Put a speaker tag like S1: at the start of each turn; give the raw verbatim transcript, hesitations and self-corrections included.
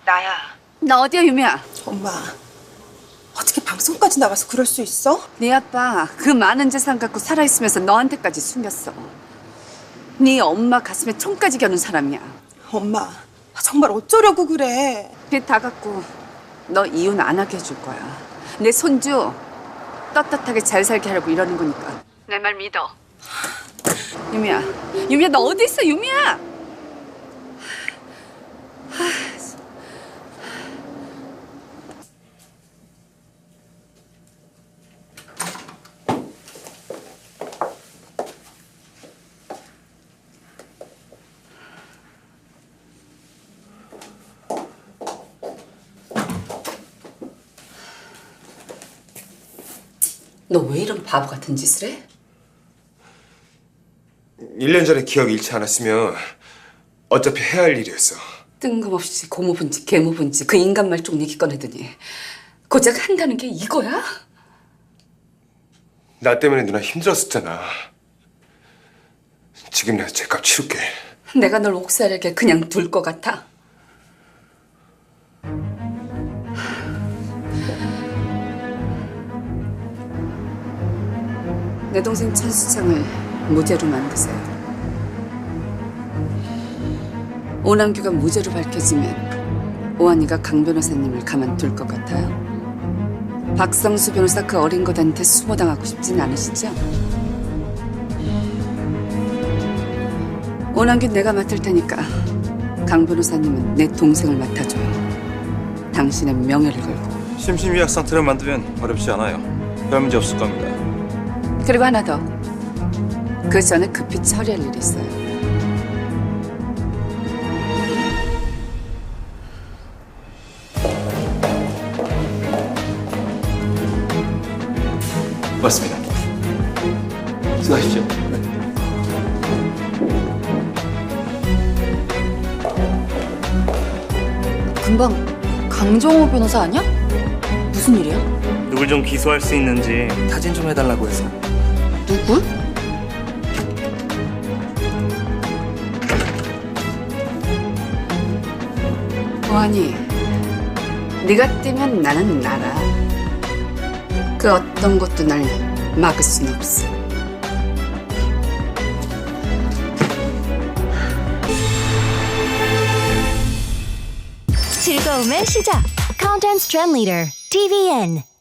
S1: 나야.
S2: 나 어디야, 유미야?
S3: 엄마, 어떻게 방송까지 나가서 그럴 수 있어?
S2: 네 아빠 그 많은 재산 갖고 살아있으면서 너한테까지 숨겼어. 네 엄마 가슴에 총까지 겨눈 사람이야.
S3: 엄마, 정말 어쩌려고 그래?
S2: 빚 다 갚고 너 이혼 안 하게 해줄 거야. 내 손주 떳떳하게 잘 살게 하려고 이러는 거니까. 내 말 믿어. 유미야, 유미야 너 어디 있어, 유미야? 너 왜 이런 바보 같은 짓을 해?
S4: 일 년 전에 기억이 잃지 않았으면 어차피 해야 할 일이었어.
S2: 뜬금없이 고모분지 계모분지 그 인간 말종 얘기 꺼내더니 고작 한다는 게 이거야?
S4: 나 때문에 누나 힘들었었잖아. 지금이라도 제값 치울게.
S2: 내가 널 옥살에게 그냥 둘 것 같아? 내 동생 천수창을 무죄로 만드세요. 오남규가 무죄로 밝혀지면 오한이가 강 변호사님을 가만둘 것 같아요? 박성수 변호사 그 어린 것한테 수모당하고 싶진 않으시죠? 오남규 내가 맡을 테니까 강 변호사님은 내 동생을 맡아줘요. 당신의 명예를 걸고.
S5: 심신미약 상태를 만들면 어렵지 않아요. 별 문제 없을 겁니다.
S2: 그리고 하나 더. 그 전에 급히 처리할 일이 있어요.
S5: 맞습니다. 수고하십시오.
S6: 금방 강정호 변호사 아니야? 무슨 일이야?
S7: 누굴 좀 기소할 수 있는지 타진 좀 해달라고 해서.
S6: 누굴?
S2: 오한이, 네가 뛰면 나는 날아. 그 어떤 것도 날 막을 순 없어.
S8: 즐거움의 시작. Content Trend Leader 티비엔.